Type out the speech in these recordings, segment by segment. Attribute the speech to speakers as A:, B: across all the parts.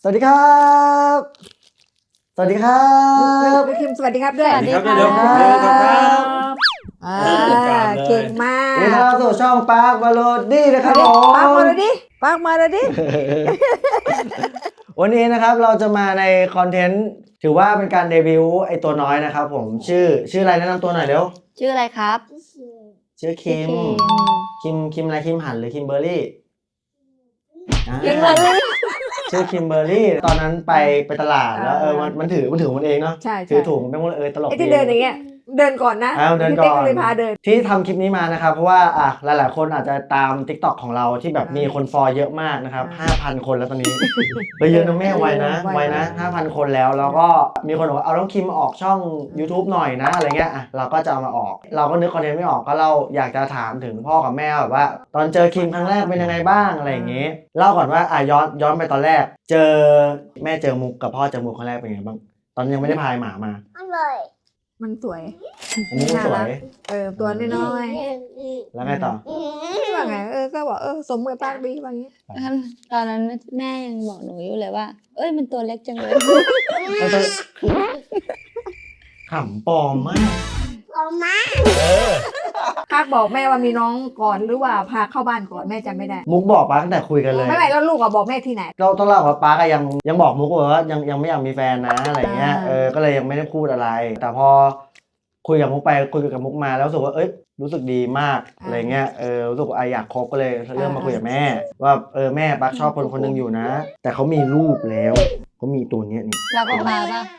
A: วัสดีครับสวัสดีครับ
B: พี่คิมสวัสดีครับด้วย
C: สวัสดีครับ
A: เดี๋ยว
B: เก่งมาก
A: นี่เราสู่ช่องปาร์คมาโลดี้นะครับผม
B: ปากมาเลยดิปากมาเลยดิ
A: วันนี้นะครับเราจะมาในคอนเทนต์ถือว่าเป็นการเดบิวต์ไอตัวน้อยนะครับผมชื่ออะไรแนะนำตัวหน่อยเร็ว
C: ชื่ออะไรครับ
A: ชื่อคิมอะไรคิมหันหรือคิมเบอร์รี่
C: คิมเบอร์รี่
A: ชื่อคิมเบอร์รี่ตอนนั้นไปตลาดแล้วมันถือมันเองเนาะ
B: ใช่
A: ถือถุงเป็นคนตลก
B: ไอ้ที่เดินอย่างเงี้ยเดินก่อนนะ
A: เดิน
B: พี่
A: ก่
B: เป๊ก
A: อน
B: เลยพาเดิน
A: ที่ทำคลิปนี้มานะครับเพราะว่าหลายๆคนอาจจะตาม TikTok ของเราที่แบบมีคนฟอลเยอะมากนะครับ 5,000 คนแล้วตอนนี้ เยอะนะแม่ไวนะ 5,000 คนแล้วก็มีคนบอกว่าเอาน้องคิมออกช่อง YouTube หน่อยนะอะไรเงี้ยเราก็จะเอามาออกเราก็นึกคอนเทนต์ไม่ออกก็เราอยากจะถามถึงพ่อกับแม่แบบว่า ตอนเจอคิมครั้งแรกเป็นยังไงบ้างอะไรอย่างงี้เล่าก่อนว่าย้อนไปตอนแรกเจอแม่เจอมุกกับพ่อเจอมุกครั้งแรกเป็นยังไงบ้างตอนยังไม่ได้พายหมามา
B: มันสวย
A: อันนี้มันสวย
B: ตัวน้อย
A: แล้วไงต่อ
B: ๆว่าไงก็บอกสมกับปากดีว่างี้
C: ตอนนั้นแม่ยังบอกหนูอยู่เลยว่า เอ้ยมันตัวเล็กจังเลย
A: ขำปลอมมาก
B: ปากบอกแม่ว่ามีน้องก่อนหรือว่าพาเข้าบ้านก่อนแม่จำไม่ได้
A: มุกบอกป้าตั้งแต่คุยกันเลย
B: ไม่แล้วลูกบอกแม่ที่ไหน
A: เราต้องเล่าว่าป้าก็ยังบอกมุกว่ายังไม่อยากมีแฟนนะอะไรเงี้ยก็เลยยังไม่ได้พูดอะไร แต่พอคุยกับมุกไปคุยกับมุกมาแล้วรู้สึกว่ารู้สึกดีมากอะไรเงี้ยรู้สึกว่าอยากคบก็เลยเริ่มมาคุยกับแม่ว่าแม่ปักชอบคนหนึงอยู่นะ แต่เขามีลูกแล้วเขามีตัวเนี้ยนี่
C: เราก็พาป่ะ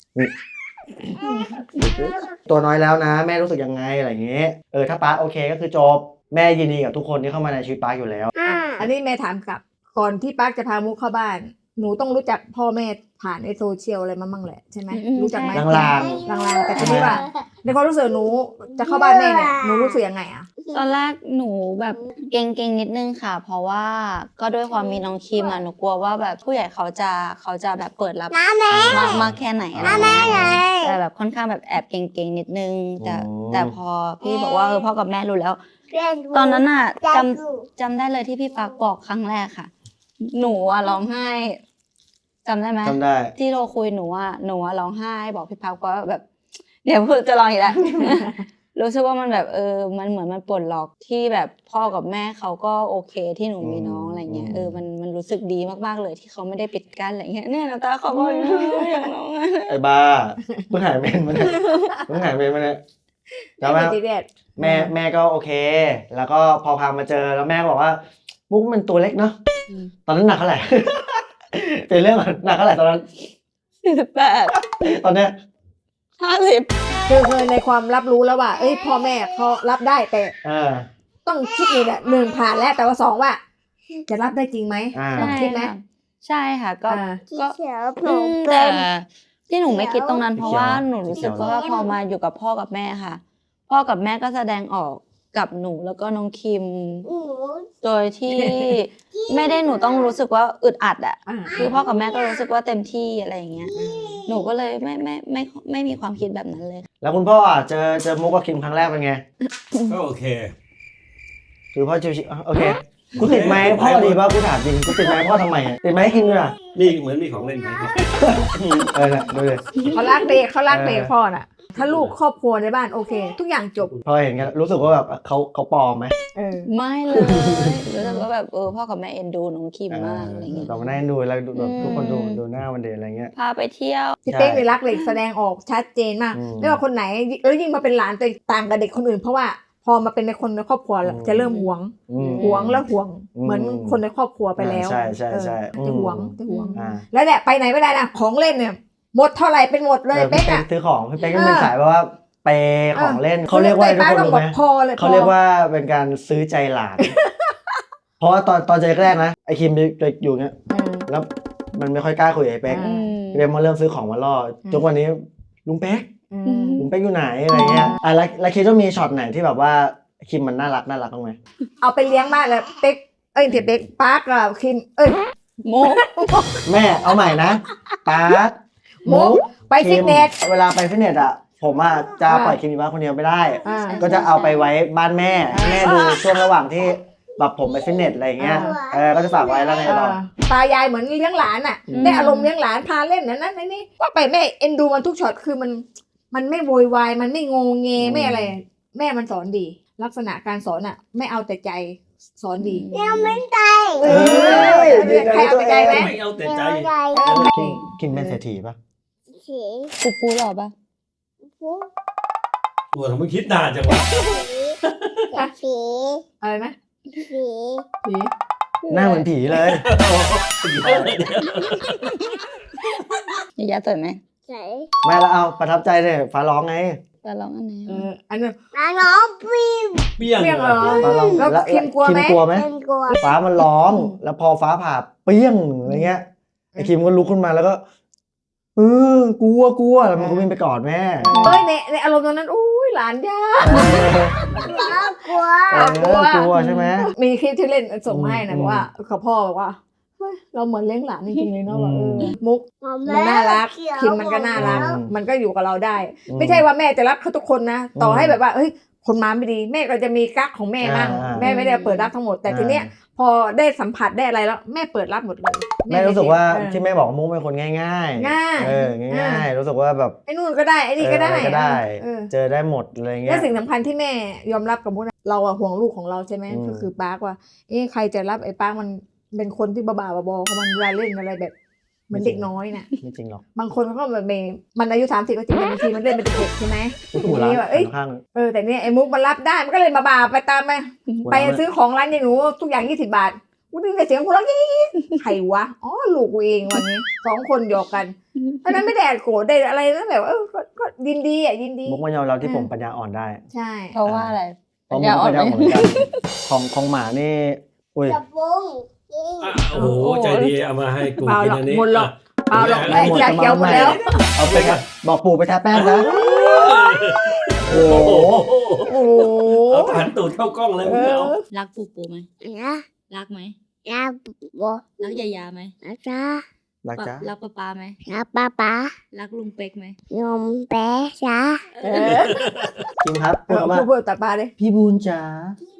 A: ตัวน้อยแล้วนะแม่รู้สึกยังไงอะไรเงี้ยถ้าป้าโอเคก็คือจบแม่ยินดีกับทุกคนที่เข้ามาในชีวิตป้าอยู่แล้ว
B: อันนี้แม่ถามกลับก่อนที่ปากจะพามุกเข้าบ้านหนูต้องรู้จักพ่อแม่ผ่านในโซเชียลอะไรมาบ้างแหละใช่ไหมรู้จักไหม
A: ลาง
B: ลางๆแต่ทีนี้ว่าในความรู้สึกหนูจะเข้าบ้านแม่เนี่ยหนูรู้สึกยังไงอ่ะ
C: ตอนแรกหนูแบบเกรงนิดนึงค่ะ เพราะว่าก็ด้วยความมีน้องคิมอ่ะหนูกลัวว่าแบบผู้ใหญ่เขาจะแบบเปิดรับมากแค่ไหนอะไรเงี้ยแต่แบบค่อนข้างแบบแอบเกรงนิดนึงแต่พอพี่บอกว่าพ่อกับแม่รู้แล้ว ตอนนั้นอ่ะจำได้เลยที่พี่ปากบอกครั้งแรกค่ะ หนูอ่ะร้องไห้จำได้ไหม
A: จำได้
C: ที่เราคุยหนูอ่ะร้องไห้บอกพี่พักก็แบบเดี๋ยวพูดจะร้องอีกแล้ว รู้สึกว่ามันแบบมันเหมือนมันปลดล็อกที่แบบพ่อกับแม่เขาก็โอเคที่หนูมีน้องอะไรเงี้ยมันรู้สึกดีมากๆเลยที่เขาไม่ได้ปิดกั้นอะไรเงี้ยเนี่ยน้ำตาเขาบอกอย่างน้อง
A: ไอ้บ้าเพิ่งหายเมนมาเนี่ยแล้วแม่ก็โอเค แล้วก็พอพามาเจอแล้วแม่ก็บอกว่ามุกมันตัวเล็กเนาะตอนนั้นหนักเท่าไหร่ เป็นเรื่องหนักเท่าไหร่ตอนนั้น
C: 48
A: ตอนเนี้ย
C: 50
B: คือในความรับรู้แล้วว่าพ่อแม่เขารับได้แต่ต้องคิดนี่แหละหนึ่งผ่านแล้วแต่ว่าสองว่าจะรับได้จริงไหมต้องคิดไหม
C: ใช่ค่ะก็
B: แต่
C: แต่ที่หนูไม่คิดตรงนั้นเพราะว่าหนูรู้สึกว่าพอมาอยู่กับพ่อกับแม่ค่ะ พ่อกับแม่ก็แสดงออกกับหนูแล้วก็น้องคิมโดยที่ ไม่ได้หนูต้องรู้สึกว่าอึดอัดอ่ะคือพ่อกับแม่ก็รู้สึกว่าเต็มที่อะไรอย่างเงี้ยหนูก็เลยไม่มีความคิดแบบนั้นเลย
A: แล้วคุณพ่อเจอมุกกับคิมครั้งแรกเป็นไง
D: ก็โอเค
A: คือพ่อชิวๆโอเคกูติดไหมพ่อดีป่ะกูถามจริงกูติดไหมพ่อทำไมติดไหมให้คิมด้วยอ่ะ
D: นี่เหมือนมีของเล่นไหมครับ
A: น่ะดูเลย
B: เขารักเด็กพ่อน่ะถ้าลูกครอบครัวในบ้านโอเค ทุกอย่างจบ
A: พอเห็นกันรู้สึกว่าแบบเขาปลอมไหม
C: ไม่เลยรู้สึกว่าแบบพ่อกับแม่เอ็นดูน้องคิมมากอะไรเงี้ย
A: เรามานั่งดูแล้วทุกคนดูหน้ามันเด่นอะไรเงี้ย
C: พาไปเที่ยว
B: พี่เป๊กเลยรักเด็กแสดงออกชัดเจนมากไม่ว่าคนไหนแล้วยิ่งมาเป็นหลานแต่ต่างกับเด็กคนอื่นเพราะว่าพอมาเป็นในคนในครอบครัวจะเริ่มหวงแล้วห่วงเหมือนคนในครอบครัวไปแล้ว
A: ใช่
B: จะห่วงแล้วเนี่ยไปไหนไม่ได้นะของเล่นเนี่ยหมดเท่าไหร่เป็นหมดเลยเป๊กอ่ะ
A: ซื้อของพี่เป๊กก็เป็นสายว่าเปย์ของเล่นเขาเรียกว่าทุกคนรู้ไหมเขาเรียกว่าเป็นการซื้อใจหลาน เพราะว่าตอนเจอแรกนะไอคิมจะอยู่เงี้ยแล้วมันไม่ค่อยกล้าคุยกับไอเป๊กเรียนมาเริ่มซื้อของมาล่อจนวันนี้ลุงเป๊กอยู่ไหนอะไรเงี้ยแล้วคิดว่ามีช็อตไหนที่แบบว่าคิมมันน่ารักบ้างไหม
B: เอาไปเลี้ยงบ้านเลยเป๊กเดี๋ยวเป๊กปาร์คกับคิม
C: โม
A: แม่เอาใหม่นะปาร์ค
B: โมไปฟิตเนส
A: เวลาไปฟิตเนสอ่ะผมจะปล่อยคิมอยู่บ้านคนเดียวไม่ได้ก็จะเอาไปไว้บ้านแม่ดูช่วงระหว่างที่แบบผมไปฟิตเนสอะไรอย่างเงี้ยก็จะฝากไว้แล้วไงต่อ
B: ตายายเหมือนเลี้ยงหลานอ่ะ ได้อารมณ์เลี้ยงหลานพาเล่นนั้นในนี่ว่าไปแม่เอ็นดูมันทุกช็อตคือมันไม่โวยวายมันไม่งงเงไม่อะไร แม่มันสอนดี ลักษณะการสอนอ่ะ ไม่เอาแต่ใจสอนดี
E: ยังไม่ใจ
B: ใครเอาแต่ใจไหม
D: ไม่เอาแต่ใจ
A: คิมเป็นเศรษฐีปะ
E: สี
C: ปูปูหรอปะ
E: ผู้
D: ตัวทำไมคิดนานจังวะ
E: สี
B: อะไรนะ
E: สี
B: ผี
A: หน้าเหมือนผีเลย
C: ยาสวยไหม
E: ใส
A: ไม่แล้วเอาประทับใจเลยฟ้าร้องไง
C: จะลองอันไหน
B: อันนั้น
E: น้องปีม
D: เปี้ยง
B: เปี้ยงเหรอ
A: ฟ้าร้อง
B: แล้วคิมกลัวไหม
A: คิมกลัวไหม
E: เป็นกลัว
A: ฟ้ามันร้อง แล้วพอฟ้าผ่าเปี้ยงอะไรเงี้ยไอ้คิมก็ลุกขึ้นมาแล้วก็กลัวแล้วมันก็วิ่งไปกอดแม่
B: เฮ้ยในอารมณ์ตอนนั้นอุ้ยหลานยาก
E: น้องกลัว
A: กลัวใช่ไหม
B: มีคลิปที่เล่นส่งมาให้นะ
A: อืม
B: บอกว่าเขาพ่อบอกว่าเฮ้ยเราเหมือนเลี้ยงหลานจริงๆเลยเนาะว่า
A: อืม
B: มุกมันน่ารักคิมมันก็น่ารัก มันก็อยู่กับเราได้ ไม่ใช่ว่าแม่จะรักเขาทุกคนนะ ต่อให้แบบว่าเฮ้ยคนมาไม่ดีแม่ก็จะมีกั๊กของแม่บ้างแม่ไม่ได้เปิดรับทั้งหมดแต่ทีเนี้ยพอได้สัมผัสได้อะไรแล้วแม่เปิดรับหมดเลย
A: แม่รู้สึกว่า
B: เออ
A: ที่แม่บอกว่ามุกเป็นคนง่าย
B: ง่าย
A: ง่ายรู้สึกว่าแบบ
B: ไอ้นู่นก็ได้ไอ้นี่ก็ได้
A: อะไรก็ได้
B: เออ
A: เจอได้หมดอะไรเงี้
B: และ
A: ย
B: สิ่งสำคัญที่แม่ยอมรับกับมุกนะเราอะห่วงลูกของเราใช่ไหม
A: อืม
B: ก็คือปาร์คว่าใครจะรับไอ้ปาร์คมันเป็นคนที่บ้าๆบอๆของมันเวลาเล่นอะไรแบบเหมือนเด็กน้อยน่ะ
A: ไม่จริงหรอก
B: บางคนเขาแบบมันอายุ30ก็จริงแต่บางทีมันเล่นเป็นเด็กใช่ไหม
A: หูร้าน
B: ว่าเอ้ย
A: ข้าง
B: แต่เนี่ยไอ้มุกมันรับได้มันก็เลยบ้าๆไปตามไปซื้อของร้านยายหนูทุกอย่าง20 บาทกูได้ยินแต่เสียงกูร้องยี่ใครวะอ๋อลูกกูเองวันนี้2 คนหยอกกันเพราะนั้นไม่ได้โกรธได้อะไรนะแบบก็ยินดีอ่ะยินดี
A: มุกมันยอมรับที่ผมปัญญาอ่อนได้
B: ใช่
C: เพราะว่าอะไร
A: เพราะมุกปัญญาอ่อนเหมือนกันของหมานี่อุ้ย
E: กระปุงยิง
D: อ่ะโอ้โหใจดีเอามาให้กู
B: เปล่า
D: กิน
B: หรอก
D: อันนี้
B: หมดหรอก
D: อ่ะ
B: เปล่าหรอกแม่อยากเกี่ยวหมดแล้ว
A: เอาไปครับบอกปู่ไปทาแป้งนะโอ้
D: โอ้
A: โห
D: โห
B: โอ้
D: เอาผ่านตูดเข้ากล้องเลยไม่เอา
C: รักปูปูไหม
E: นะ
C: รักไหม
E: นะบัว
C: รักยายาไหม
E: นะจ๊ะ
A: รักจ้า
C: รักป้าป้าไหม
E: นะป้าป้า
C: รักลุงเป๊กไหม
E: ยมแป๊ะจ๊ะ
A: คิมครับพูดมา
B: พูดตัดปลาเลย
A: พี่บูนจ๋า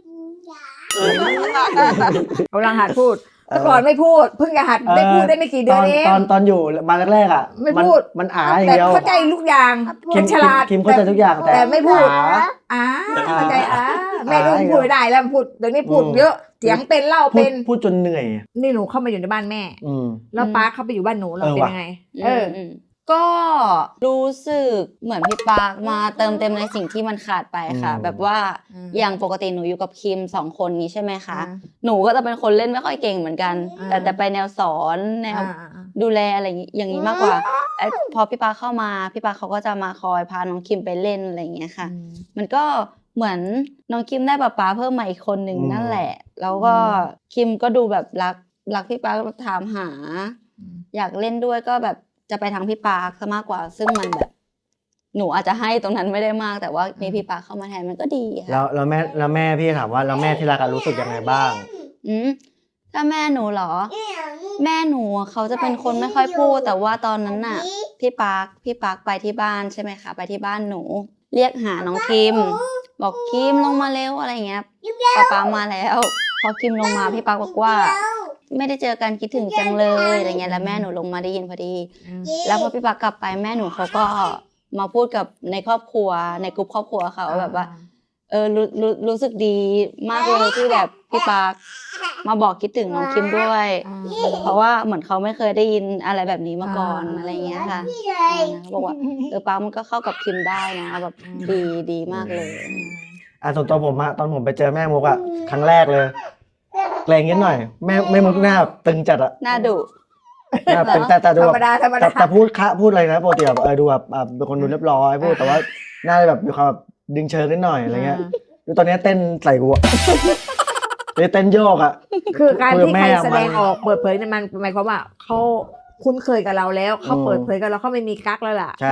B: กำลังหัดพูดแต่ก่อนไม่พูดเพิ่งจะหัดได้พูดได้ไม่กี่เดือนเอง
A: ตอนอยู่มาแรกๆอ่ะ
B: ไม่พูด
A: มันอาอย่าง
B: แต่
A: เดียว
B: เข้าใจทุกอย่าง
A: คิม
B: ฉลาด
A: คิมเข้าใจทุกอย่าง
B: แต่ไม่พูด
A: อา
B: เข้าใจแม่ลูกพูดไม่ได้แล้วพูดเดี๋ยวนี้พูดเยอะเสียงเป็นเล่า
A: พู
B: เป็
A: ด
B: น
A: พูดจนเหนื่อย
B: นี่หนูเข้ามาอยู่ในบ้านแม่
A: อืม
B: แล้วป้าเข้าไปอยู่บ้านหนูเราเป็นยังไง
C: ก็รู้สึกเหมือนพี่ปาร์คมาเติมเต็มในสิ่งที่มันขาดไปค่ะ
A: อืม
C: แบบว่า
B: อืม
C: อย่างปกติหนูอยู่กับคิม2 คนนี้ใช่ไหมคะ
B: อ่า
C: หนูก็จะเป็นคนเล่นไม่ค่อยเก่งเหมือนกัน
B: อ่า
C: แต่จะไปแนวสอนแนวดูแลอะไรอย่างนี้มากกว่าพอพี่ปาร์คเข้ามาพี่ปาร์คเขาก็จะมาคอยพาน้องคิมไปเล่นอะไรอย่างเงี้ยค่ะ มันก็เหมือนน้องคิมได้ป๊าเพิ่มมาอีกคนหนึ่งนั่นแหละ แล้วก็คิมก็ดูแบบรักพี่ปาร์คถามหา อยากเล่นด้วยก็แบบจะไปทางพี่ปาร์คซะมากกว่า ซึ่งมันแบบ หนูอาจจะให้ตรงนั้นไม่ได้มาก แต่ว่ามีพี่ปาร์คเข้ามาแทนมันก็ดีค่ะ
A: แล้วแม่พี่ถามว่าแล้วแม่ที่รักอะรู้สึกยังไงบ้าง
C: ถ้าแม่หนูเหรอ แม่หนูเขาจะเป็นคนไม่ค่อยพูด แต่ว่าตอนนั้นน่ะ พี่ปาร์คไปที่บ้านใช่ไหมคะไปที่บ้านหนู เรียกหาน้องคิม บอกคิมลงมาเร็วอะไรเงี้ยป๊ามาแล้ว พอคิมลงมาพี่ปาร์คบอกว่า ไม่ได้เจอกันคิดถึงจังเลยอะไรเงี้ยแล้วแม่หนูลงมาได้ยินพอดี แล้วพอพี่ปาร์คกลับไปแม่หนูเขาก็มาพูดกับในครอบครัวในกลุ่มครอบครัวเขาแบบว่า รู้สึกดีมากเลยที่แบบพี่ปาร์คมาบอกคิดถึงน้องคิมด้วย เพราะว่าเหมือนเขาไม่เคยได้ยินอะไรแบบนี้มาก่อนอะไรเงี้ยค่ะเขาบอกว่าปาร์คมันก็เข้ากับคิมได้นะแบบดีมากเลย
A: ส่วนตัวผมอะตอนผมไปเจอแม่มุกอะครั้งแรกเลยแกรงนิดหน่อยแม่มุกหน้าตึงจัดอะ
C: น่าดุ
A: หน้าตึงแต่ดู
B: ธร
A: แบ
B: รมดาธรรม
A: แต่
B: ดา
A: แต่พูดอะไรนะปกติแบบดูแบบเป็นคนดูเรียบร้อยพูดแต่ว่าหน้าแบบมีความแบบดึงเชิงนิดหน่อยอะไรเงี้ยดูตอนนี้เต้นใส่กูอะเต้นโยกอะ
B: คือการที่ใคร
A: คุยกับแม่
B: แสดงออกเปิดเผยเนี่ยมันหมายความว่าเขาคุ้นเคยกับเราแล้วเขาเปิดเผยกับเราเขาไม่มีกั๊กแล้วล่ะ
A: ใช่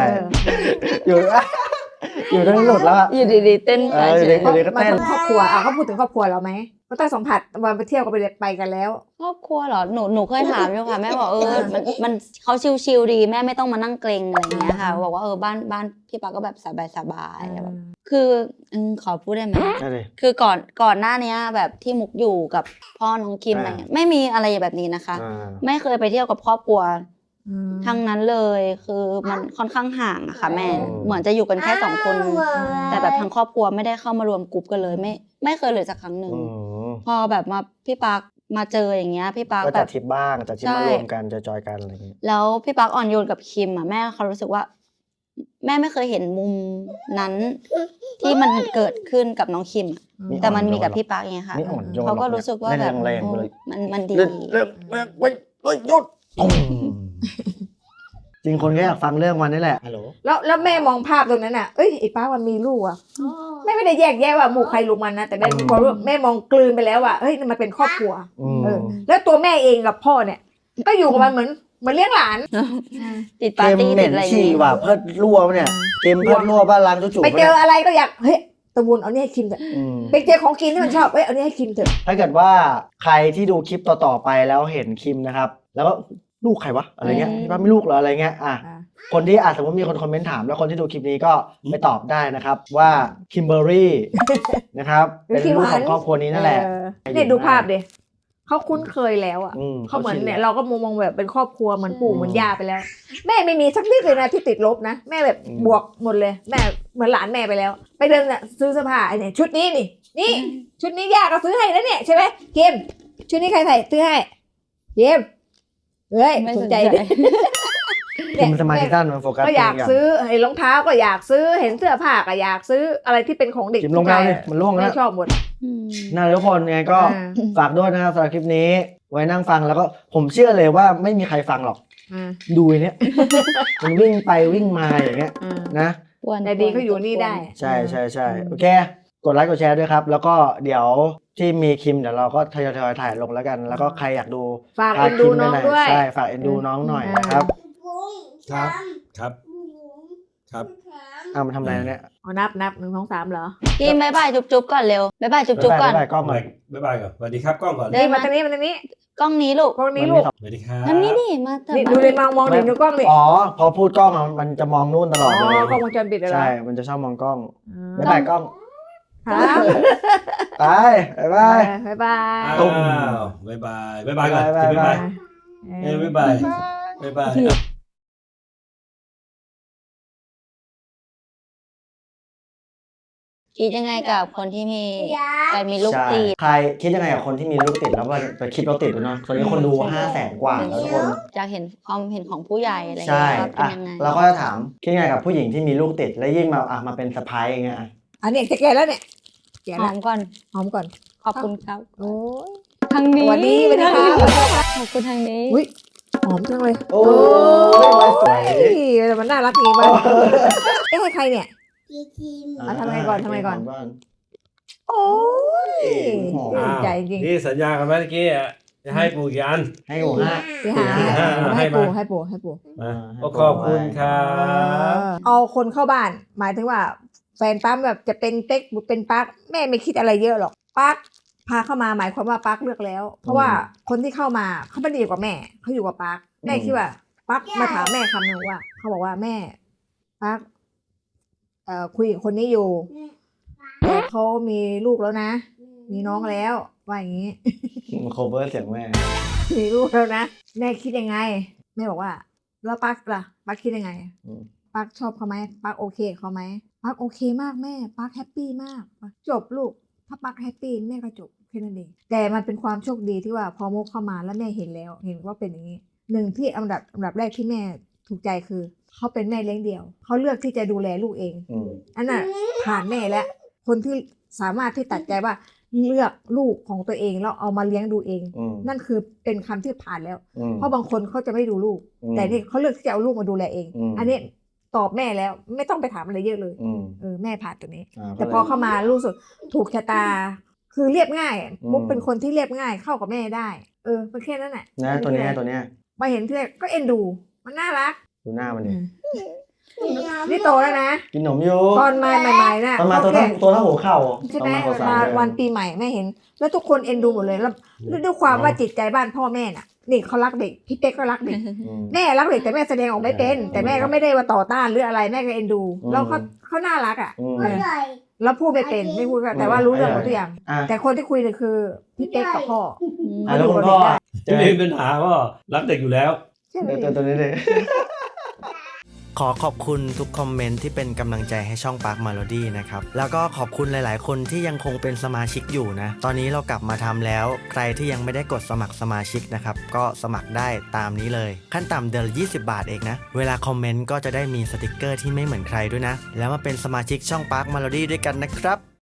A: อยู่ทั้งหลุดแล้วอะ
C: อยู่ดีๆเต้นไปเฉย
A: เดี๋ยวก็
B: มัน
A: เต้น
B: ครอบครัวเขาพูดถึงครอบครัวเราไหมก็ต้องสัมผัสวันไปเที่ยวก็ไปกันแล้ว
C: ครอบครัวเหรอหนูเคยถามอยู่ค่ะแม่บอกมันเขาชิลๆดีแม่ไม่ต้องมานั่งเกรงอะไรอย่างเงี้ยค่ะบอกว่าบ้านพี่ปาก็แบบสบายๆแบบคือขอพูดได้ไหม
A: ได้เลย
C: คือก่อนหน้านี้แบบที่มุกอยู่กับพ่อน้องคิมอะไรเงี้ยไม่มีอะไรแบบนี้นะคะ ไม่เคยไปเที่ยวกับครอบครัวทั้งนั้นเลยคือมันค่อนข้างห่างอะค่ะแม่เหมือนจะอยู่กันแค่2 คนแต่แบบทั้งครอบครัวไม่ได้เข้ามารวมกลุ่มกันเลยไม่เคยเลยสักครั้งหนึ่งพอแบบมาพี่ปามาเจออย่างเงี้ยพี่ปา
A: ก็
C: แบ
A: จัด
C: บ
A: ทริปบ้างจัดทริป
C: ใช่
A: มารวมกันจอยๆกันอะไรอย่างเงี้ย
C: แล้วพี่ปาอ่อนโยนกับคิมอะแม่เขารู้สึกว่า แม่ไม่เคยเห็นมุมนั้นที่มันเกิดขึ้นกับน้องคิมอะแต่มันมีกับพี่ปาไงค่ะ
A: ไม่อ่อนโยน
C: เขาก็รู้สึกว่าแบบ
A: แรงๆไปเลย
C: มันดี
A: เลิกไว้หยุดจริงคนก็อยากฟังเรื่องวันนี้แหละฮัลโหล
B: แล้วแม่มองภาพตรงนั้นน่ะเอ้ยไอ้ป้ามันมีลูกอ่ะแม่ไม่ได้แยกแยะว่าหมู่ใครลูกมันนะแต่แม่บอกว่าแม่มองกลืนไปแล้วว่าเฮ้ยมันเป็นครอบครัวแล้วตัวแม่เองกับพ่อเนี่ย ก็อยู่กับมันเหมือนเลี้ยงหลาน
C: ติดปา
A: เก
C: ร์
A: ม
C: ตี้
A: เห
C: ติ
A: ม็
C: ด
A: น
C: อะไรอย่าง
A: ฉี่
C: งี้
A: ว่ะเพิดรั่วปะเนี่ยเกมเพิดรั่วบ้านล้างจุ๊
B: ไป
A: ๆ
B: เจออะไรก็อยากเฮ้ยตะวุนเอาเนี่ยให้คิมเถอะไปเจอของกินที่มันชอบเอ้ยเอาเนี่ยให้คิมเถอะ
A: ถ้าเกิดว่าใครที่ดูคลิปต่อๆไปแล้วเห็นคิมนะครับ แล้วก็ลูกใครวะอะไรเงี้ยพี่ป้าไม่ลูกเหรออะไรเงี้ยคนที่สมมติมีคนคอมเมนต์ถามแล้วคนที่ดูคลิปนี้ก็ไปตอบได้นะครับว่าคิมเบอรี่ นะครับเป็นลูกของครอบครัวนี้นั่นแหละ
B: เนี่ยดูภาพดิเขาคุ้นเคยแล้วอ่ะเขาเหมือนเนี่ยเราก็มองแบบเป็นครอบครัวเหมือนปู่เหมือนย่าไปแล้ว แม่ไม่มีสักนิดเลยนะที่ติดลบนะแม่แบบบวกหมดเลยแม่เหมือนหลานแม่ไปแล้ว ไปเดินน่ะซื้อเสื้อผ้าไอ้เนี่ยชุดนี้นี่ชุดนี้ย่าก็ซื้อให้แล้วเนี่ยใช่ไหมเกมชุดนี้ใครใส่ซื้อให้เกมเฮ้ย
C: ไม่
B: ส
C: ส
B: น
C: น
B: ใจ
C: ใจ
B: ดิ
A: คิมสมาธิสั้นมันโฟกัส
B: ก็อยากซื้อเห็นรองเท้าก็อยากซื้อเห็นเสื้อผ้าก็อยากซื้ออะไรที่เป็นของเด็ก
A: คิมลงแล้วนี่มันล่วงแล้
B: ไม่
A: ว
B: ชอบหมด
A: น่าทุกคนไงก็ฝากด้วยนะครับสำหรับคลิปนี้ไว้นั่งฟังแล้วก็ผมเชื่อเลยว่าไม่มีใครฟังหรอกดูไอ้เนี้ย มันวิ่งไปวิ่งมาอย่างเงี้ยนะ
B: แต่ดีเขาอยู่นี่ได้
A: ใช่โอเคกดไลค์กดแชร์ด้วยครับ แล้วก็เดี๋ยวที่มีคิมเดี๋ยวเราก็ทยอยถ่ายลงแล้วกัน แล้วก็ใครอยากดู
B: ฝากเอ็นดูน้องด้วย
A: ใช่ฝากเอ็นดูน้องหน่อยนะครับ
D: ครับครับครับ
A: เอามาทำอะไรเนี่ย
B: เอานับ1 2 3เหรอ
C: กินบายบายจุ๊บๆก่อนเร็วบายบายจุ๊บๆก่อน
A: บ๊ายบายกล้องก่อน
D: บ๊ายบายก่อนสวัสดีครับกล้องก่อน
C: ได้
B: นี่มาทางนี้มาทางนี้
C: กล้องนี้ลูก
B: กล้องนี้ลูก
D: สวัสดีครับ
C: ทำนี้ดิมาเถอะ
B: นี่ดูเลยมองดิดูกล้องดิ
A: อ๋อพอพูดกล้องอะมันจะมองนู่นตลอดเลย
B: กล้องวงจรปิดเหรอ
A: ใช่มันจะชอบมองกล้อง
B: อ่า
A: บ๊ายบายกล้อง
B: ครับ
A: ไปบ๊ายบาย
B: บ๊ายบาย
A: ตุ้ม
D: บ๊ายบายบ๊ายบายก่อน
A: บ๊ายบาย
D: บ๊ายบายบ๊ายบาย
C: คิดยังไงกับคนที่มีการมีลูก
A: ใช่
C: ติด
A: ใครคิดยังไงกับคนที่มีลูกติดแล้วไปคิดเราติดเนาะตอนนี้คนดู 500,000 กว่าแล้วทุกคน
C: อยากเห็นความเห็นของผู้ใหญ่อะไรอย่าง
A: ใช่
C: เงี้ยว่าเป็น
A: อ่ะ
C: ยังไง
A: เราก็จะถามคิดยังไงกับผู้หญิงที่มีลูกติดแล้วยิ่งมาเป็นสะพ้ายอย่างเงี้ยอ่ะ
B: อันนี้จะแก่แล้วเนี่ยแก่
C: ห
B: แล้
C: อ
B: ว
C: มก่อน
B: หอมก่อน
C: ขอบคุณครับ
B: โอ้ย
C: ทางนี้
B: สวัสดีสวัสดีครับ
C: ขอบคุณทางนี้
B: อุ้ยหอมจังเลย
A: โอ้ยไว้สวย
B: แต่มันน่ารักดีมากเอ๊ะให้ใครเนี่ย เอาทำไงก่อนทำไงก่อน โอ้ย
A: อ้าว
B: ใจจริง
D: นี่สัญญากันไหมเมื่อกี้อ่ะจะให้ปู่กี่อัน
A: ให้หมูฮะ
B: ไปหา
D: ให้
B: ให้
D: มา
B: ปู่ให้ปู่ให้ปู่
D: ก็ขอบคุณครับ
B: เอาคนเข้าบ้าน หมายถึงว่า แฟนปั๊มแบบจะเป็นเต็กหรือเป็นปั๊กแม่ไม่คิดอะไรเยอะหรอกปั๊กพาเข้ามาหมายความว่าปั๊กเลือกแล้ว เพราะว่าคนที่เข้ามาเขาไม่ได้อยู่กับแม่เขาอยู่กับปั๊กแม่คิดว่าปั๊กมาถามแม่คำหนึ่งว่าเขาบอกว่าแม่ปั๊กคุยกับคนนี้อยู่แต่เขามีลูกแล้วนะ มีน้องแล้วว่าอย่างนี้
A: มันโคเวอร์เสียงแม่
B: มีลูกแล้วนะแม่คิดยังไงแม่บอกว่าแล้วปั๊กล่ะปั๊กคิดยังไงปั๊กชอบเขาไหมปั๊กโอเคกับเขาไหมปั๊กโอเคมากแม่ปั๊กแฮปปี้มากจบลูกถ้าปั๊กแฮปปี้แม่ก็จบแค่นั้นเองแต่มันเป็นความโชคดีที่ว่าพอมุกเข้ามาแล้วแม่เห็นแล้วเห็นว่าเป็นอย่างนี้หนึ่งที่อันดับแรกที่แม่ถูกใจคือเขาเป็นแม่เลี้ยงเดี่ยวเขาเลือกที่จะดูแลลูกเองอันน่ะผ่านแม่แล้วคนที่สามารถที่ตัดใจว่าเลือกลูกของตัวเองแล้วเอามาเลี้ยงดูเองนั่นคือเป็นคำที่ผ่านแล้วเพราะบางคนเขาจะไม่ดูลูกแต่นี่เขาเลือกที่จะเอาลูกมาดูแลเองอันนี้ตอบแม่แล้วไม่ต้องไปถามอะไรเยอะเลยแม่ผ่านตัวนี้แต่พอเข้ามารู้สึกถูกชะตาคือเรียบง่ายมุกเป็นคนที่เรียบง่ายเข้ากับแม่ได้เป็นแค่นั้นแหละ
A: นะตัวเนี้ย
B: มาเห็นที่แรกก็เอ็นดูมันน่ารัก
A: ดูหน้ามันดิ
B: นี่โตแล้วนะ
A: กินขนมอยู่
B: ตอนมาใหม่ๆน่ะ
A: ตอนมาตัว
B: เขา
A: เท่า
B: แค่
A: ตัวเท่าหัวเข่า
B: ใช่
A: ตอ
B: ไห
A: น
B: ม
A: มาขอสาม
B: มา
A: เดือน
B: วันปีใหม่แม่เห็น แล้วทุกคนเอ็นดูหมดเลยแล้วด้วยความว่าจิตใจบ้านพ่อแม่น่ะนี่เขารักเด็กพี่เป๊กก็รักเด็ก
A: อืม
B: แม่รักเด็กแต่แม่แสดงออกไม่เป็น แต่แม่ก็ไม่ได้ว่าต่อต้านหรืออะไรแม่ก็เอ็นดู
A: อืม
B: แล้วเขาน่ารักอ่ะ
A: อืม
B: เออแล้วพูดไม่เป็นไม่พูดก็แต่ว่ารู้เรื่องหมดทุกอย่าง
A: อ่ะ
B: แต่คนที่คุยเลยคือพี่เป๊กกับพ่อ
A: อ่ะแล้วคุณพ่อเจ
D: ไม่
A: อ
D: มีปัญหาก็รักเด็กอยู่แล้ว
B: ใช่ไหม
A: ตัวนี้เลย ขอขอบคุณทุกคอมเมนต์ที่เป็นกำลังใจให้ช่อง Park Melody นะครับ แล้วก็ขอบคุณหลายๆ คนที่ยังคงเป็นสมาชิกอยู่นะ ตอนนี้เรากลับมาทำแล้ว ใครที่ยังไม่ได้กดสมัครสมาชิกนะครับ ก็สมัครได้ตามนี้เลย ขั้นต่ำเดือนละ20 บาทเองนะ เวลาคอมเมนต์ก็จะได้มีสติกเกอร์ที่ไม่เหมือนใครด้วยนะ แล้วมาเป็นสมาชิกช่อง Park Melody ด้วยกันนะครับ